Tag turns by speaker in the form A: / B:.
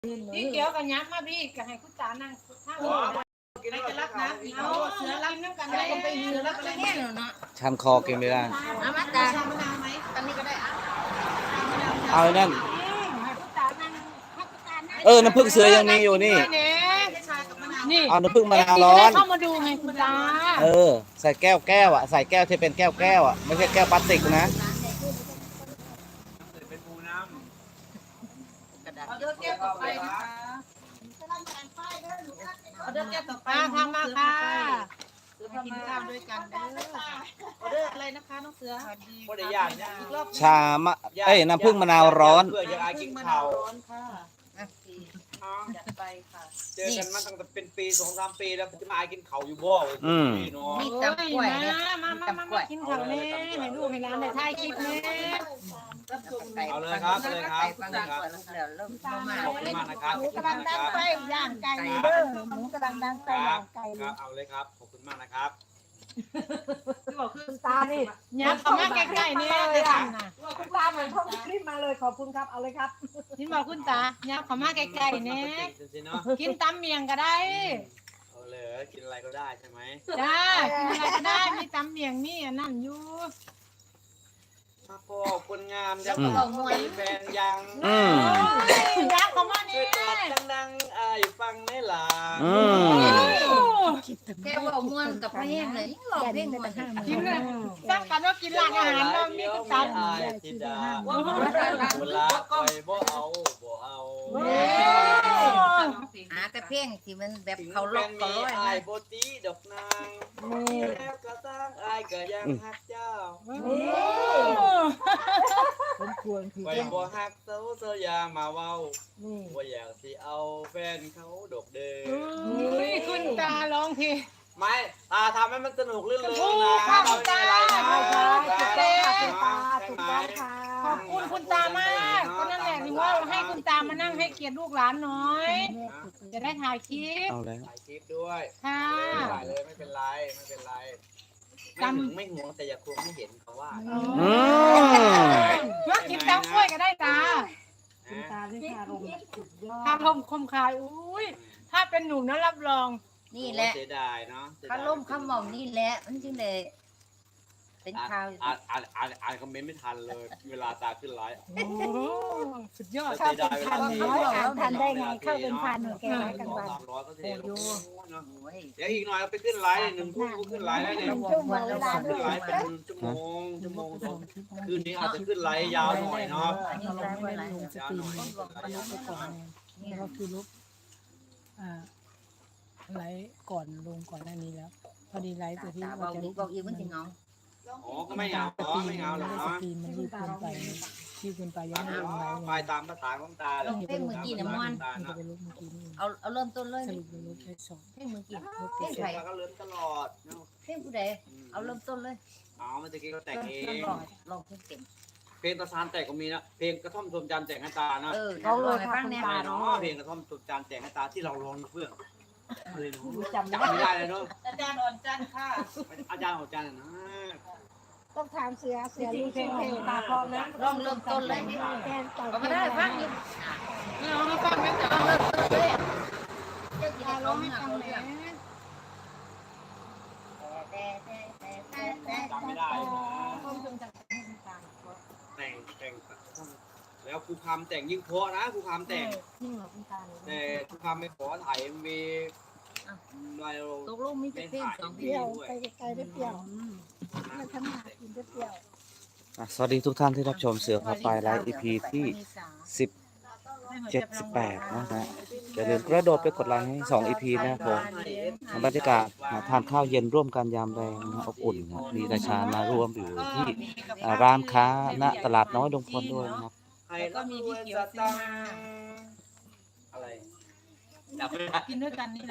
A: พี่เกียวกับยักษ์มาพี่กับให้คุณตานั่งข้างไม่จะรักนะเอาเสือรักน้ำกันได้ไปเสือรักอะไรเนี่ยเนาะ
B: ชันคอกินไม่ได้
A: เอามาตาชามะนาวไหมตอนนี้ก็ได้อ่ะ
B: เอาไอ้นั่น
A: ให้คุณตานั่งให้คุณตานั่ง
B: น้ำผึ้งเสือยังมีอยู่นี่
A: นี่
B: เอาน้ำผึ้งมะนาวร้อน
A: เข้ามาดูไงคุณตา
B: ใส่แก้วอ่ะใส่แก้วที่เป็นแก้วอ่ะไม่ใช่แก้วพลาสติกนะ
A: เอาเดือดแก้วต่อไปนะคะเอาเดือดแก้วต่อไปทำมาค่ะมากินข้าวด้วยกันเด้อเอาเดือดอะไรนะคะน้องเสือ
C: บ่ได้ยานเนี่ย
A: อีกรอบ
B: ชามะน้ำผึ้งมะนาวร้อน
C: เพื่อจะอายกินข้าว
A: ร้อนค่ะจัดไปค่ะ
C: เจอกันมาตั้งแต่เป็นปี2-3 ปีแล้วจะมาอายกินข้าวอยู่บ่พี่น้อง
A: มีตำกล้วยมากินข้าวแม่ให้ลูกให้หลานได้ถ่ายคลิปแม่
C: เอาเลยครับเอาเลยครับ
A: คุณตาก่อนแล้วเริ่มมา
C: ขอบคุณมากนะครับ
D: หมูกำลังดังไฟย่างไก่เด้อหมูกำลังดังไฟ
C: ครั
D: ย่า
C: บ
D: งไก่
C: ครับเอาเลยครับขอบคุณมากนะครับ
A: ที่บอกคือ
D: คุณตานี่
A: ยักษ์มาใกล้ๆนี่เลยค่ะ
D: คุณตาเหมือนท่องคลิปมาเลยขอบคุณครับเอาเลยครับ
A: ที่บอกคุณตายักษ์มาใกล้ๆนี่
C: จริงๆเนาะ
A: กินตำเมียงก็ได้
C: เอาเลยกินอะไรก็ได้ใช่ไหม
A: จ้ากินอะไรก็ได้มีตำเมียงนี่นั่นอยู่
C: มาพอคนงามยัง มีแฟนยัง
A: ยักษ์เขามา
C: ช่
A: นี่
C: วยกอดดังๆอายฟังได้หลา
E: แกบอกมวนกับเพลงเลยหลอกเพลงมวน
A: กินเลยสร้างกันว่ากินร้านอาหารเรามีคุณตา
C: อายธิดาเวลาคอยบ่เอาบ่เอา
E: หาแต่เพลงที่มันแบบ
C: ถึง
E: เขาล
C: เป็
E: ก
C: น
E: เขา
C: มี
E: ร้อย
C: อาย
E: นะ
C: โบตีดอกนางแล้วก็สร้างอายก็ยังฮักเจ้า
D: ผมควรคือ
C: ไปบ่ฮักเซาเซายามาเว้า
D: นี่
C: บ่อยากสิเอาแฟนเขาดอกเด้อ
A: คุณตาร้องเพลง
C: ไม่ตาทำให้มันสนุกเรื่องเลย
A: โอ้
C: นะ
A: ค่ะ
C: เราไม่มีอะไรนะ
D: ใช่ใช่
C: ใช่
D: คุณ
C: ไหม
D: ตาถูกต้องค่ะ
A: ขอบคุณคุณตามากก็นั่นแหละถึงว่าให้คุณตามานั่งให้เกียรติลูกหลานหน่อย จะได้ถ่ายคลิป
B: เอาแล้ว
C: ถ่ายคลิปด้วย
A: ค่ะ
C: ไม่เป็นไรเลยไม่เป็นไรไม่เป็นไรไม่ห่วงแต่อย่าควงไม่เห็นเขาว่า
A: มากินตำกล้วยก็ได้ตา
D: คุณตาที่คารมสุดยอด
A: ทำลมคมคายอุ้ยถ้าเป็นหนุ่มนะรับรอง
E: นี่แหละ
C: เสียดายเนาะ
E: เขาล่มคำบอกนี่แหละมันจึงเลยเป็นข่าว
C: อ่านคอมเมนต์ไม่ทันเลย เวลาตาขึ้นไลฟ์
A: โอ้สุดยอด
D: เข้าเป็นพันน้อยอ่านทันได้ไงเข้าเป็นพันหนูแกไว้กันวัน
C: 300ก็เสีย
E: โอ้
C: เนาะ
E: โห
C: เดี๋ยวอีกหน่อยเราไปขึ้นไลฟ์1 ทุ่มก็ขึ้นไลฟ์แล้วเนี่ย
D: ชั่วโมงเวลา
C: ขึ้นไลฟ์เป็นชั่วโมงสองคืนนี้อาจจะขึ้นไลฟ์ยาวหน่อยเนาะ
E: อันนี้ร้ายไว้หลาย
C: ยาวหน่อย
F: นี่ก็คือลบไลฟ์ก่อนลงก่อนหน้านี้แล้ว พอดีไลฟ์ตัวที่
E: ตาบ
F: ว่า
E: อก
F: จะ
E: อีกบอกอีกมันถึงน้อง
C: อ๋อก็ไม่เอาอ๋อไม่เอาหรอก
F: ส
C: เนาะ
F: กรีนมันรีบเกินไปรีบเกินไปยังไม่ลงไลฟ์
C: ไป
F: เลย
C: ตามภาษาของตา
E: เพลงเมื่อกี้เนี่ยมัน
F: มันจะไปลบเมื่อกี้นี่
E: เอาเริ่มต้นเลย
F: สรุปไปลบแค่สอง
E: เพลงเมื่อกี้
F: ลบ
E: เพ
F: ไป
E: ลง
F: ส
E: ใค
F: อ
E: รง
C: ก็เลื่อนตลอด
E: เพลงผู้ใดเอาเริ่มต้นเลย
C: อ๋อเมื่อกี้ก็แต่งเอ
E: เริ่ม
C: ง
E: ลองเพลงเต็ม
C: เพลงตะซานแต่งก็มีนะเพลงกระท่อมชมจันทร์แต่งให้ตานะ
E: เขาเลยฟังเนี่ย
C: เนาะเพลงกระท่อมชมจันทร์แต่งให้ตาที่เราร้องเพื่อนอะไรเนาะ
D: จำไม่
C: จำไม่
D: ได้
C: ได้เลยเนาะ
A: อาจารย์อ่อนจันทร์ค่ะ
C: อาจารย์ของอาจารย์นะ
D: ต้องถามเสือรู้เพลงตาพอนะ
E: ลองเริ่มต้นเลย
D: แกนต่อ
E: ก็ไม่ได้ฟังอยู่
A: เรามาฟังกันจ้ะ
E: เริ่มต้นเลยเจ้าจี
A: ตา
E: ได้
A: ร้
E: ร้
A: อ
E: อง ง
A: ให้
E: ให้
A: ฟั
E: ฟั
A: ง
E: ง
A: แห
E: เล
A: ละ
C: จำไม่ได้นะ
A: ความทรงจำให้คุณตา
C: แต่งแล้วครูคำแต่งยิ่งเพราะนะครูคำแต่ง
A: ยิ่งกว่าคุณตาเลย
C: แต่ครูคำไม่ขอถ่ายMV เรา
E: ตกลงมีแต่เพลงสองเพ
D: เป
E: ล
D: รี้
E: ง
D: ยวไปไกลได้เปรี้ยวมาทำหากินได้เปรี้ยว
B: สวัสดีทุกท่านที่รับชมเสือพาไปไลฟ์ EP ที่17-18นะฮะอย่าลืมกระโดดไปกดไลค์ให้2 EP นะครับผมบรรยากาศทานข้าวเย็นร่วมกันยามแรงนะอบอุ่นนะมีราชามาร่วมอยู่ที่ร้านค้าณตลาดน้อยดงพลด้วยนะครับ
C: ใครรับรู้สตังค์อะไรจับไม่ได้
A: กินด้วยกันนี่